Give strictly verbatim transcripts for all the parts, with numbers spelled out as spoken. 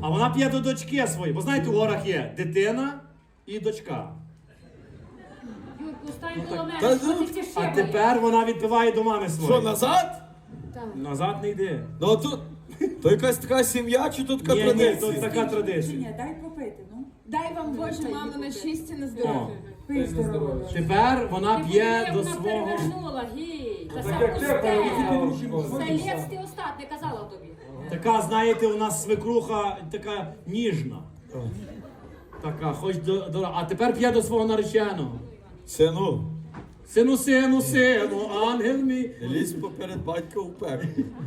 А вона п'є до дочки своєї. Бо знаєте, у горах є дитина і дочка. Юрку, стань коло та мене, ну, що ти ці А шибаєш? тепер вона відпиває до мами Що, своєї. назад? Назад не йди. Ну а тут, то якась така сім'я чи тут така Ні, ні, традиція? тут така традиція. Ні, дай попити, ну. Дай вам Боже, мамо, на щастя, на здоров'я. О. Пий здорово. Тепер вона Ти п'є подиви, до вона свого. перевернула, гій. Та сам як пусте. треба, Селець ти остат, не казала тобі. Така, знаєте, у нас свекруха така ніжна. Така, хоч до, до... А тепер п'є до свого нареченого. Сину, Сину, сину, сину, ангел мій. лізь поперед батька у пекло.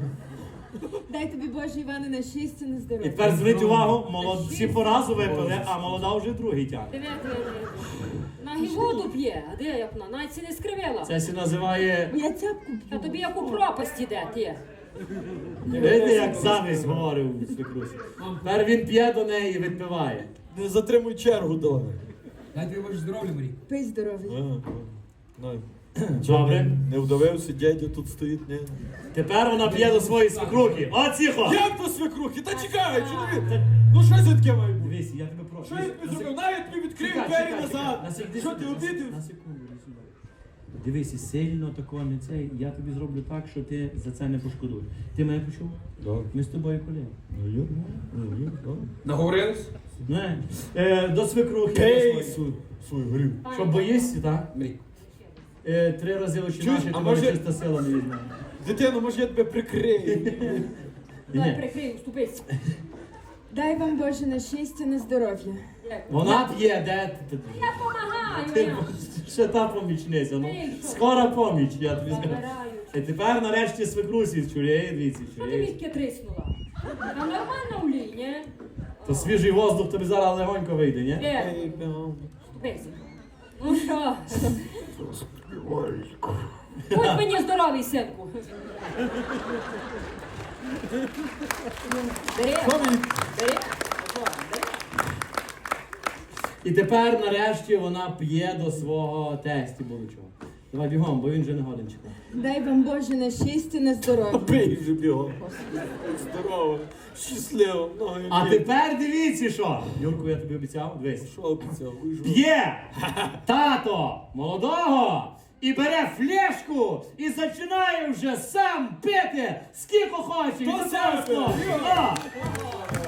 Дай тобі Боже, Іване, на щастя, на І здоров'я. тепер зверніть увагу, молод... всі по разу випили, а молода вже другий тягне. Диви, диви, диви. На воду п'є, а де як вона? Навіть це не скривила. Це сі називає, Я цяпку А п'ю. тобі як у пропасть іде, ти. видите, як замість говорив свекрусі. Тепер він п'є до неї і відпиває. Не затримуй чергу довго. Дай тобі Боже здоров'я, Марій. Пий здоров'я. Ну, Добре. не вдавився, дядя тут стоїть, ні. Тепер вона п'є до своєї свекрухи. О, тихо! Як до свекрухи? Та чекай, чоловік! Ну що це таке має бути? Дивись, я тебе прошу. Що я тобі зробив? Навіть тобі відкрив Чекай, двері чекай, назад. чекай. На сек- Що ти на- обідив? На секунду, іди сюди. Дивися, сильно такого не цей. Я тобі зроблю так, що ти за це не пошкодуєш. Ти мене почув? Так. Ми з тобою колеги. Ну, є, ну, є, так. Наговорились? Не. Е, до свекрухи. до Ей, своєї. суй, суй, горів. Що боїшся, так? Марій. Е, три рази очі Чуєш, наші, а тебе може- чиста сила не візьме. Дитино, може я тебе прикрию? Дай Ні. прикрию, ступись. Дай вам Боже, на щастя, на здоров'я. Вона п'є, де ти? Я помагаю, Ти я. ще та помічниця, ну. Ей, що? Скоро поміч, я тобі скажу. Забираю. І тепер нарешті свекрусі чує, дивіться, Що ти чує. відки триснула? Та нормально в лі, ні? То свіжий воздух тобі зараз легонько вийде, ні? Де? Ей, бям. Ступися. Ну що? Будь мені здоровий, синку. Бери, Що мені? бери. І тепер нарешті вона п'є до свого тесті будучого. Давай бігом, бо він вже не годин чекає. Дай вам Боже, на щастя, на здоров'я. Пий вже бігом. Здорово, щасливо, ноги А вірю. тепер дивіться що. Юрку, я тобі обіцяв, дивись. Що обіцяв? Ви ж- П'є тато молодого і бере флешку і починає вже сам пити скільки хоче. То Від саме. цього. О!